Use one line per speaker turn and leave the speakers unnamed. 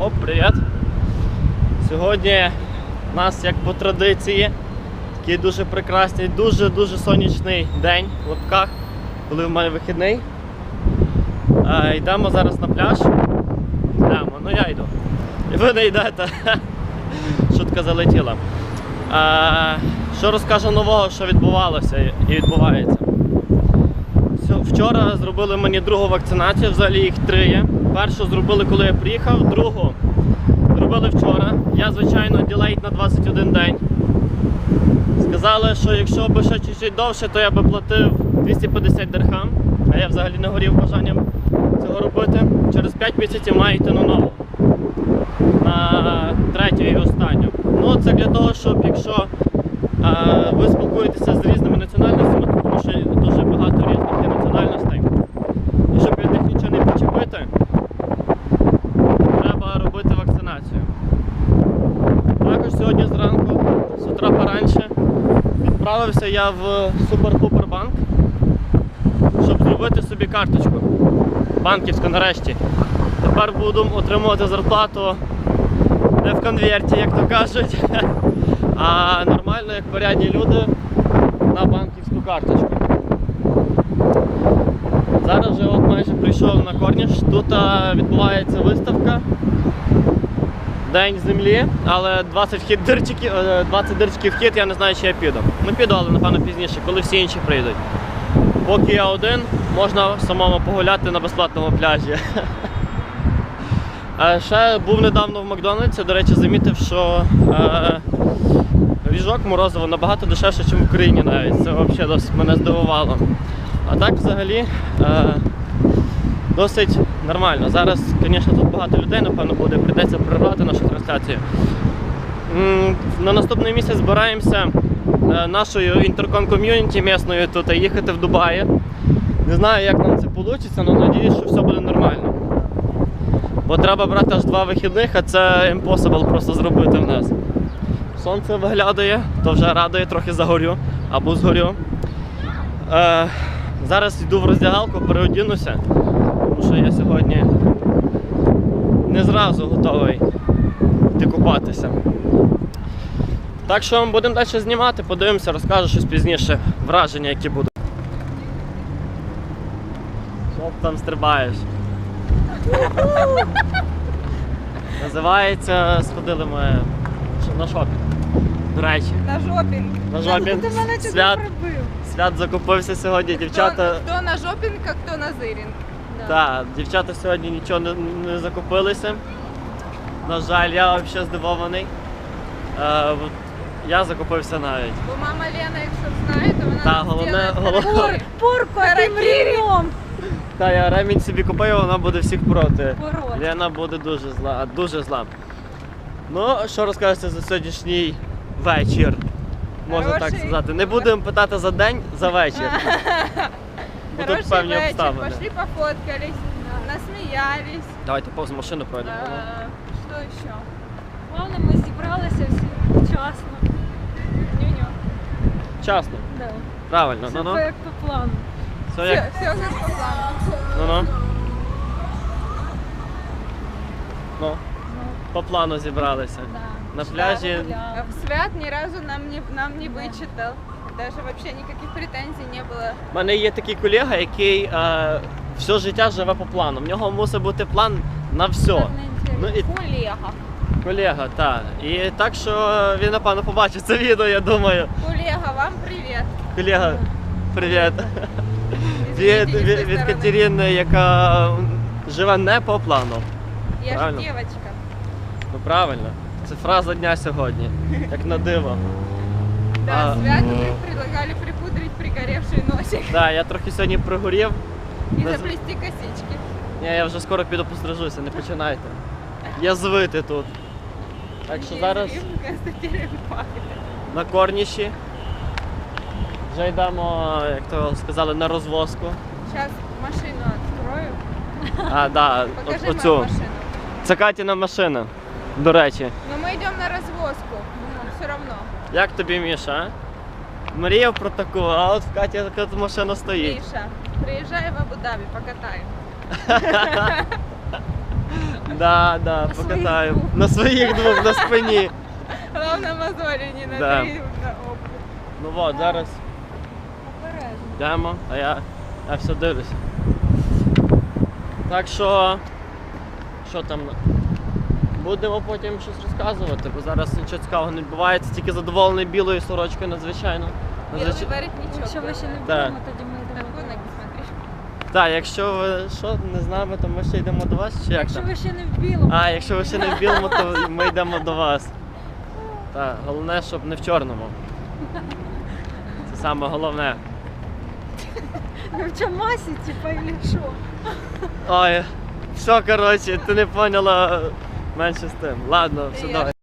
Оп, привіт! Сьогодні у нас, як по традиції, такий дуже прекрасний, дуже сонячний день в лапках, коли в мене вихідний. Йдемо зараз на пляж. Ну я йду. І ви не йдете. Шутка залетіла. Що розкажу нового, що відбувалося і відбувається. Вчора зробили мені другу вакцинацію, взагалі їх 3 є. Першу зробили, коли я приїхав, другу зробили вчора. Я, звичайно, ділейт на 21 день. Сказали, що якщо б ще чуть-чуть довше, то я би платив 250 дирхам. А я взагалі не горів бажанням цього робити. Через 5 місяців маю йти на нову. На 3-ю і останню. Ну, це для того, щоб якщо ви спілкуєтеся з різними національностями, тому що дуже багато різних є національностей, і щоб від них нічого не почепити, треба робити вакцинацію. Також сьогодні зранку, з утра пораньше, відправився я в Супер-Пупер-банк, щоб зробити собі карточку банківську нарешті. Тепер буду отримувати зарплату не в конверті, як то кажуть, а нормально, як порядні люди, на банківську карточку. Зараз вже от майже прийшов на Корніш. Тут відбувається виставка День землі, але 20 дирчиків вхід, я не знаю, чи я піду. Ну піду, але напевно пізніше, коли всі інші прийдуть. Поки я один, можна самому погуляти на безплатному пляжі. Ще був недавно в Макдональдсі, до речі, замітив, що ріжок морозиво набагато дешевше, ніж в Україні навіть. Це взагалі досить мене здивувало. А так взагалі досить нормально. Зараз, звісно, тут багато людей, напевно, буде, прийдеться прервати нашу трансляцію. На наступний місяць збираємося нашою інтерком-ком'юніті місною тут їхати в Дубаї. Не знаю, як нам це вийде, але сподіваюся, що все буде нормально. Бо треба брати аж 2 вихідних, а це impossible просто зробити в нас. Сонце виглядає, то вже радує, трохи загорю або згорю. Зараз йду в роздягалку, переодінуся, тому що я сьогодні не зразу готовий йти купатися. Так що будемо далі знімати, подивимося, розкажу щось пізніше, враження які будуть. Що ти там стрибаєш? Називається, сходили ми на шопінг. До речі.
На жопінг.
На жопінг.
Ти мене чого пробив?
Свят закупився сьогодні, дівчата.
Хто на жопінг, а хто на зирінг.
Так, дівчата сьогодні нічого не закупилися. На жаль, я взагалі здивований. Я закупився навіть.
Бо мама Лена, якщо знає, то вона
Та, головне.
Пур під ремнем.
Та, я ремінь собі купив, вона буде всіх проти.
Пород.
Лена буде дуже зла. Ну, що розкажете за сьогоднішній вечір? Можна так сказати. Не будемо питати за день, за вечір. Бо тут певні обставини.
Пошли пофоткались, насміялись.
Давайте повз машину пройдемо.
Що ще?
Головне, ми зібралися всі вчасно.
Ню-ню.
Вчасно.
Да.
Правильно,
Все
ну-ну.
як по плану.
Все як...
Все як по плану.
Ну-ну. Ну, по плану зібралися.
Да.
На пляжі.
Гуляли.
Свят ни разу нам не вычитал. Даже вообще никаких претензий не было.
У мене є такий колега, який все життя живе по плану. В нього мусить бути план на все.
Так не
Ну, і...
Колега.
Колега, так. І так, що він, напевно, побачить це відео, я думаю.
Колега, вам привет.
Колега, привіт.
Извините, не с той
Від
стороны.
Катерини, яка живе не по плану.
Я же
правильно.
девочка.
Ну правильно. Це фраза дня сьогодні. Як на диво.
Да, Святу предлагали припудрить пригоревший носик
Так, я трохи сьогодні пригорів.
и
Наз-
заплести косички.
Ні, я вже скоро піду пострижуся, не починайте. Язвити тут. Так що зараз
Констатируем факт.
на Корніші. Вже йдемо, як то сказали, на розвозку.
Сейчас машину открою.
Да,
Покажи мою
оцю.
машину.
Це Катіна машина, до речі.
Но мы идем на развозку. Все равно.
Як тобі, Міша? Мріяв про таку, а от в Каті така машина стоїть.
Миша, приезжай в Абу-Даби, покатаем.
Да,
На своїх
покатаємо.
двох.
На своїх двох, на спині.
Главное мозоли не на
Да.
3, на оба.
Ну от, зараз
Обережно.
йдемо, а я все дивлюся. Так що там? Будемо потім щось розказувати, бо зараз нічого цікавого не відбувається, тільки задоволений білою сорочкою надзвичайно.
Белый воротничок.
Якщо ви ще не
Да.
вдома, тоді ми
На
йдемо.
коник смотри.
Так, якщо ви що, не з нами, то ми ще йдемо до вас, чи як
Якщо
там?
ви ще не в білому.
А, якщо ви ще не в білому, то ми йдемо до вас. Так, головне, щоб не в чорному. Це саме головне.
Ви в чамасі, типа, или що?
Ой, все, коротше, ти не поняла менше з тим. Ладно, все,
Я
давай.